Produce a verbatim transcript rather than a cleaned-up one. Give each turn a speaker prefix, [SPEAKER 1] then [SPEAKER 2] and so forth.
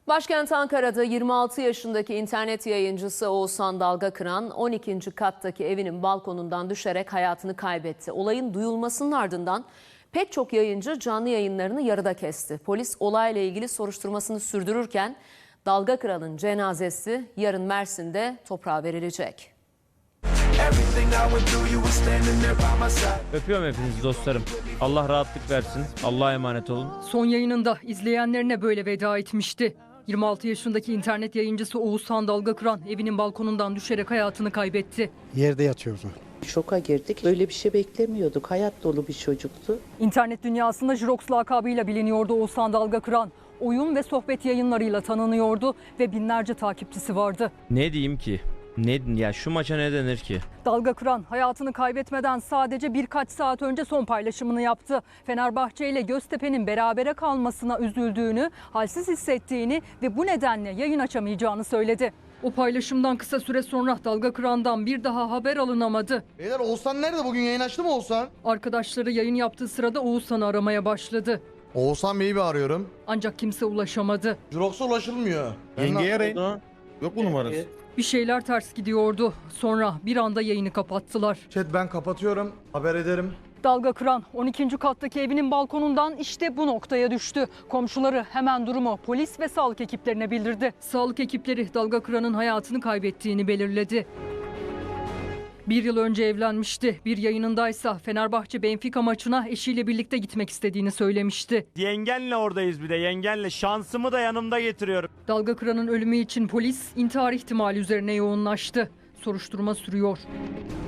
[SPEAKER 1] Başkent Ankara'da yirmi altı yaşındaki internet yayıncısı Oğuzhan Dalgakıran on ikinci kattaki evinin balkonundan düşerek hayatını kaybetti. Olayın duyulmasının ardından pek çok yayıncı canlı yayınlarını yarıda kesti. Polis olayla ilgili soruşturmasını sürdürürken Dalgakıran'ın cenazesi yarın Mersin'de toprağa verilecek.
[SPEAKER 2] Öpüyorum hepinizi dostlarım. Allah rahatlık versin. Allah'a emanet olun.
[SPEAKER 3] Son yayınında izleyenlerine böyle veda etmişti. yirmi altı yaşındaki internet yayıncısı Oğuzhan Dalgakıran evinin balkonundan düşerek hayatını kaybetti.
[SPEAKER 4] Yerde yatıyordu.
[SPEAKER 5] Şoka girdik. Öyle bir şey beklemiyorduk. Hayat dolu bir çocuktu.
[SPEAKER 3] İnternet dünyasında Jirox lakabıyla biliniyordu Oğuzhan Dalgakıran. Oyun ve sohbet yayınlarıyla tanınıyordu ve binlerce takipçisi vardı.
[SPEAKER 2] Ne diyeyim ki? Ne ya şu maça ne denir ki?
[SPEAKER 3] Dalgakıran hayatını kaybetmeden sadece birkaç saat önce son paylaşımını yaptı. Fenerbahçe ile Göztepe'nin berabere kalmasına üzüldüğünü, halsiz hissettiğini ve bu nedenle yayın açamayacağını söyledi. O paylaşımdan kısa süre sonra Dalgakıran'dan bir daha haber alınamadı.
[SPEAKER 6] Beyler Oğuzhan nerede? Bugün yayın açtı mı Oğuzhan?
[SPEAKER 3] Arkadaşları yayın yaptığı sırada Oğuzhan'ı aramaya başladı.
[SPEAKER 6] Oğuzhan Bey'i bir arıyorum.
[SPEAKER 3] Ancak kimse ulaşamadı.
[SPEAKER 6] Jirox'a ulaşılmıyor.
[SPEAKER 7] Yengeye arayın. Yok mu numarası?
[SPEAKER 3] Bir şeyler ters gidiyordu. Sonra bir anda yayını kapattılar.
[SPEAKER 6] Chat ben kapatıyorum. Haber ederim.
[SPEAKER 3] Dalgakıran on ikinci kattaki evinin balkonundan işte bu noktaya düştü. Komşuları hemen durumu polis ve sağlık ekiplerine bildirdi. Sağlık ekipleri Dalgakıran'ın hayatını kaybettiğini belirledi. Bir yıl önce evlenmişti. Bir yayınındaysa Fenerbahçe Benfica maçına eşiyle birlikte gitmek istediğini söylemişti.
[SPEAKER 8] Yengenle oradayız bir de yengenle. Şansımı da yanımda getiriyorum.
[SPEAKER 3] Dalgakıran'ın ölümü için polis intihar ihtimali üzerine yoğunlaştı. Soruşturma sürüyor.